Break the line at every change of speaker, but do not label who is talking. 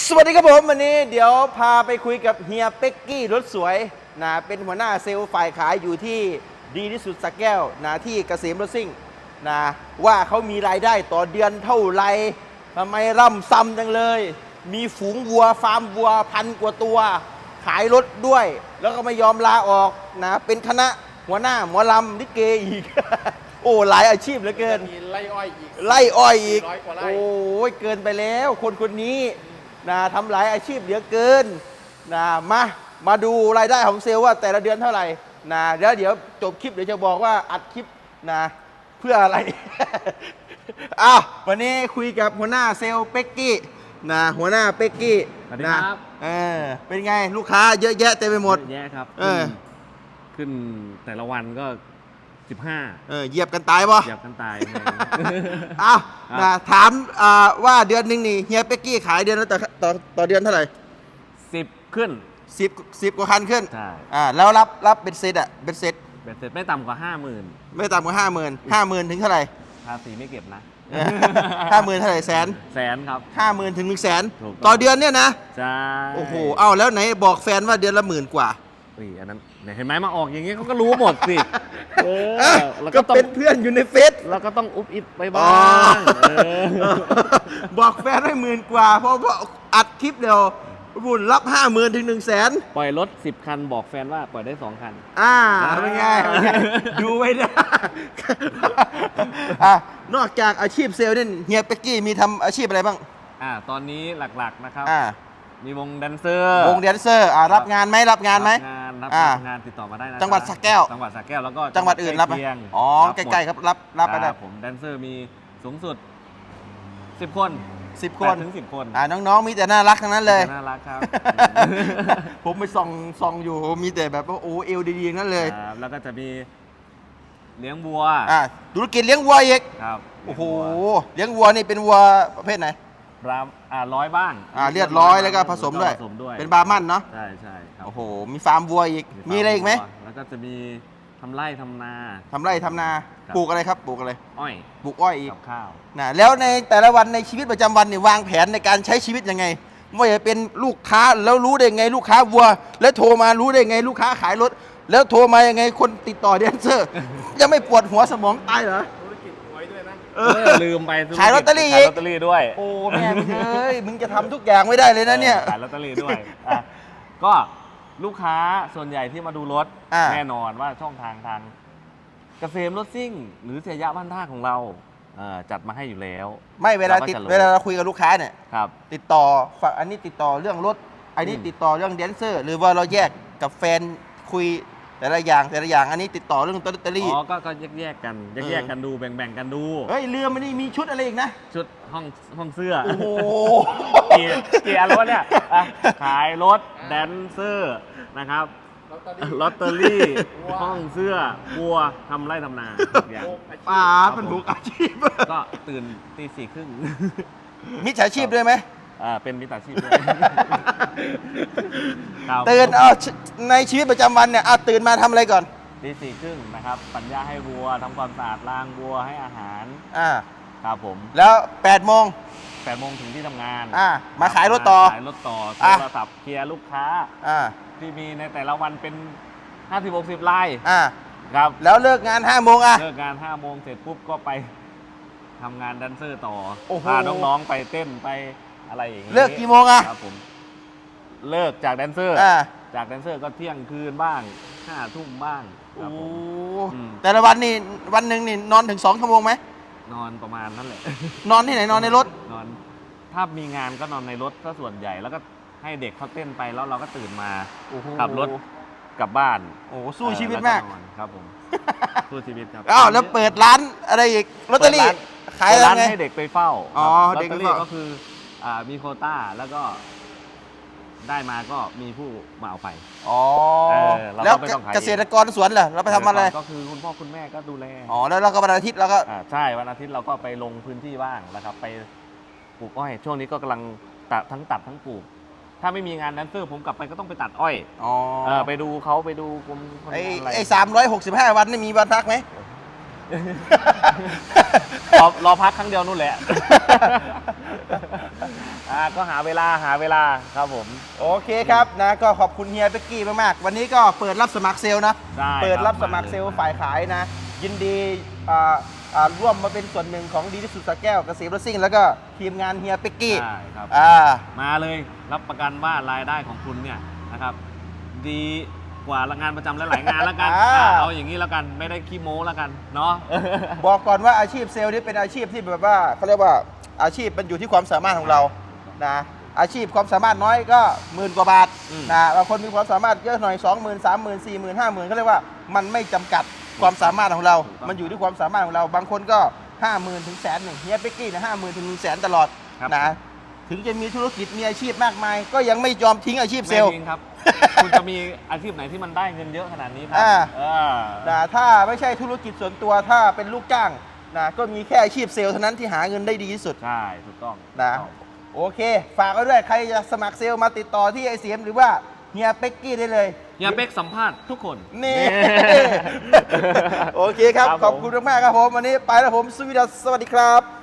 สวัสดีครับผมวันนี้เดี๋ยวพาไปคุยกับเฮียเป็กกี้รถสวยนะเป็นหัวหน้าเซลล์ฝ่ายขายอยู่ที่ดีที่สุดสักแก้วนะที่เกษมรถซิ่งนะว่าเขามีรายได้ต่อเดือนเท่าไรทำไมร่ำซ้ำจังเลย มีฝูงวัวฟาร์มวัว1,000 กว่าตัว ขายรถด้วย แล้วก็ไม่ยอมลาออกนะเป็นคณะหัวหน้าหมอลำลิเกอีก โอ้หลายอาชีพเหลือเกิน
มีไล่อ้อยอีก
ไล่อ้อยอีก
400 กว่าไร่
โอ้ยเกินไปแล้วคนนี้นะทำหลายอาชีพเหลือเกินนะมาดูรายได้ของเซลล์ว่าแต่ละเดือนเท่าไหร่นะเดี๋ยวจบคลิปเดี๋ยวจะบอกว่าอัดคลิปนะเพื่ออะไร อ้าววันนี้คุยกับหัวหน้าเซลล์เป็กกี้นะหัวหน้าเป็กกี้
สวัสดี
นะครับ เป็นไงลูกค้าเยอะแยะเต็มไปหมด
เยอะแยะครับ ขึ้นแต่ละวันก็ 15
เหยียบกันตายปะ
เหยียบกันตาย
อ้าว
ครับ
นะถามว่าเดือนหนึงนี่เฮียเป็กกี้ขายเดือนละต่อเดือนเท่าไหร่
10 ขึ้น
10 กว่าคันขึ้น
ใช่
แล้วรับเป็นเซตเป็นเซต
เบ็ดเสร็จไม่ต่ำกว่า 50,000
ไม่ต่ำกว่า50,000ถึงเท่าไหร่
ภาษีไม่เก็บนะ
50,000เท่าไหร่แสน
แสนครับ
50,000ถึง100,000
ถูกต้อง
ต่อเดือนเนี่ยนะ
ใช่
โอ้โหแล้วไหนบอกแฟนว่าเดือนละ10,000 กว่า
อันนั้นเนี่ยเห็นไหมมาออกอย่างงี้เขาก็รู้หมดสิแล้ว
ก็
ก็ต้อง
เป็นเพื่อนอยู่ในเฟซ
แล้วก็ต้องอุบอิบไปบ้า
อ๋อ
ง
บอกแฟนให้10,000 กว่าเพราะอัดคลิปเดียวบุญรับ50,000ถึง100,000
ปล่อยรถ 10 คันบอกแฟนว่าปล่อยได้ 2 คัน
เป็นไงดูไว้นะนอกจากอาชีพเซลล์เนี่ยเฮียเป็กกี้มีทำอาชีพอะไรบ้าง
ตอนนี้หลักๆนะครับ มีวงแดนเซอร์
วงแดนเซอร์รับงานไหมรับงานไหม
รับงานติดต่อมาได้นะ
จังหวัดสระแก้ว
จังหวัดสระแก้วแล้วก็
จังหวัดอื่นรับไหม
ใกล้เคียง
อ๋อ
รับ
ใกล้ๆครับรับไปได้
ผมแดนเซอร์มีสูงสุด 10 คน
10 คน
8 ถึง 10 คน
น้องๆมีแต่น่ารักทั้งนั้นเลย
น่ารักครับ
ผมไปส่องอยู่มีแต่แบบว่าโอ้เอวดีๆทั้งนั้นเลย
ครับแล้วก็จะมีเลี้ยงวัว
ธุรกิจเลี้ยงวัวอีก
ครับ
โอ้โหเลี้ยงวัวนี่เป็นวัวประเภทไหน
ร้อยบ้าง
เลือดร้อยแล้วก็ผสมด้วย
ผสมด้วย
เป็นบาร์มันเนาะ
ใช่ใช่ครับ
โอ้โหมีฟาร์มวัวอีกมีอะไรอีกไหม
แล้วก็จะมีทำไร่ทำนา
ทำไร่ทำนา
ครับ
ปลูกอะไรครับปลูกอะไร
อ้อย
ปลูกอ้อยอีก
กับข้าว
นะแล้วในแต่ละวันในชีวิตประจำวันเนี่ยวางแผนในการใช้ชีวิตยังไงว่าจะเป็นลูกค้าแล้วรู้ได้ไงลูกค้าวัว แล้วโทรมารู้ได้ไงลูกค้าขายรถ แล้วโทรมายังไงคนติดต่อแดนเซอร์ ยังไม่ปวดหัวสมองตายเหรอ
ธุรกิจหวยด้วยนะ
ลืมไป
ขายลอตเตอรี่อี
ขาย
ก
ลอตเตอรี่ด้วย
โอ้แม่มึงเอ้ยมึงจะทำทุกอย่างไม่ได้เลยนะเนี่ย
ขายลอตเตอรี่ด้วยก็ลูกค้าส่วนใหญ่ที่มาดูรถ แน่นอนว่าช่องทางเกษมรถซิ่ง หรือเสียยะบ้านท่าของเราจัดมาให้อยู่แล้ว
ไม่เวลา
ก็จะรู้
เวลาเราคุยกับลูกค้าเนี่ย
ครับ
ติดต่อฝั่งอันนี้ติดต่อเรื่องรถอันนี้ติดต่อเรื่องแดนเซอร์ หรือว่าเราแยกกับแฟนคุยแต่ละอย่างอันนี้ติดต่อเรื่องลอตเตอรี่
ก็แยกกันแยกกันดูแบ่งกันดู
เฮ้ยเรือมันนี่มีชุดอะไรอีกนะ
ชุดห้องเสื้อ
โอ้โห
กี่อันแล้ววะเนี่ยขายรถแดนเซอร์นะครับ ลอตเตอรี่ ห้องเสื้อวัวทำไร่ทำนาทุกอย่าง
ป่าเป็นบุกอาชีพ
ก็ตื่นตี 4:30
มิจฉาชีพด้วยไหม
เป็นมิจฉาชีพด้วยครับ
ตื่นในชีวิตประจำวันเนี่ยตื่นมาทำอะไรก่อน
ตี 4:30 นะครับปัญญาให้วัวทำความสะอาดล้างวัวให้อาหาร ครับผม
แล้ว8 โมง
8 โมงถึงที่ทำงาน
มาขายรถต่อ
ขายรถต่อโทรศัพท์เคลียร์ลูกค้า ที่มีในแต่ละวันเป็น 50-60 ราย ครับ
แล้วเลิกงาน5 โมง
เลิกงาน 5 โมงเสร็จปุ๊บก็ไปทำงานแดนเซอร์ต่อ
โอ้โห
พาน้องๆไปเต้นไปอะไรอย่างนี้
เลิกกี่โมง
ครับผม เลิกจากแดนเซอร์ จากแดนเซอร์ก็เที่ยงคืนบ้าง 5 ทุ่มบ้างครับผม
แต่ละวันนี่วันหนึ่งนี่นอนถึง2 ชั่วโมงไหม
นอนประมาณนั้นแหละ
นอนที่ไหนนอนในรถ
นอนถ้ามีงานก็นอนในรถก็ส่วนใหญ่แล้วก็ให้เด็กเขาเต้นไปแล้วเราก็ตื่นมาขับรถกลับบ้าน
โอ้สู้ชีวิตมาก
แล้วนอนครับผมสู้ชีวิตครับ
แล้วเปิดร้านอะไรอีกลอตเตอรี่ขาย
เปิด
อะไร
ร้าน
ไง
ให้เด็กไปเฝ้า
อ๋อ
ลอ
เด็
ต
ก
เต
ไป
อรี่
เฝ้า
ก็คือมีโควต้าแล้วก็ได้มาก็มีผู้มาเอาไป เราก็
แล้ว
ไม่ต้องขาย
เกษตรกรสวนเหรอเราไปทำอะไร
ก็คือคุณพ่อคุณแม่ก็ดูแล
แล้วเราก็วันอาทิตย์เราก็
ใช่วันอาทิตย์เราก็ไปลงพื้นที่บ้างนะครับ ไปปลูกอ้อยช่วงนี้ก็กำลังตัดทั้งปลูก ถ้าไม่มีงานแดนเซอร์ผมกลับไปก็ต้องไปตัดอ้อยไปดูเขาไปดูคนอะไร
ไอ้365 วันนี่มีวันพักไหม
รอพักครั้งเดียวนู่นแหละก็หาเวลาครับผม
โอเคครับนะก็ขอบคุณเฮียเป๊กกี้มากๆวันนี้ก็เปิดรับสมัครเซลล์นะ
ได้
เปิดรับ
ครับ
สมัครเซลล์ฝ่ายขายนะ ยินดีร่วมมาเป็นส่วนหนึ่งของดีที่สุดสระแก้วเกษมรถซิ่งแล้วก็ทีมงานเฮียเป๊กกี้
ใช่ครับ มาเลยรับประกันว่ารายได้ของคุณเนี่ยนะครับ ดีกว่างานประจำหลายๆงานแล้วกัน เอาอย่างนี้แล้วกันไม่ได้ขี้โม้แล้วกันเนาะ
บอกก่อนว่าอาชีพเซลล์นี่เป็นอาชีพที่แบบว่าเขาเรียกว่าอาชีพมันอยู่ที่ความสามารถของเรานะอาชีพความสามารถน้อยก็10,000 กว่าบาท
อืม
นะบางคนมีความสามารถเยอะหน่อย 20,000 30,000 40,000 50,000เขาเรียกว่ามันไม่จำกัดความสามารถของเรา มันอยู่ที่ความสามารถของเรา บางคนก็ 50,000 ถึง100,000เฮียเป๊กกี้นะ50,000 ถึง100,000ตลอด
ครับ
นะถึงจะมีธุรกิจมีอาชีพมากมาย ก็ยังไม่ยอมทิ้งอาชีพเซลล์
ไม่จริงครับ คุณจะมีอาชีพไหนที่มันได้เงินเยอะขนาดนี้ครั
นะถ้าไม่ใช่ธุรกิจส่วนตัวถ้าเป็นลูกจ้างนะก็มีแค่อาชีพเซลล์เท่านั้นที่หาเงินได้ดีที่สุด
ใช่ถูกต้อง
นะโอเค ฝากไว้ด้วยใครจะสมัครเซลล์มาติดต่อที่ไอเสียมหรือว่าเฮียเป๊กกี้ได้เลย
อย่าเบกสัมภาษณ์ทุกคน
นี่ โอเคครับ
ครับผม
ขอบคุณมากๆครับผม วันนี้ไปแล้วผมสวัสดีครับ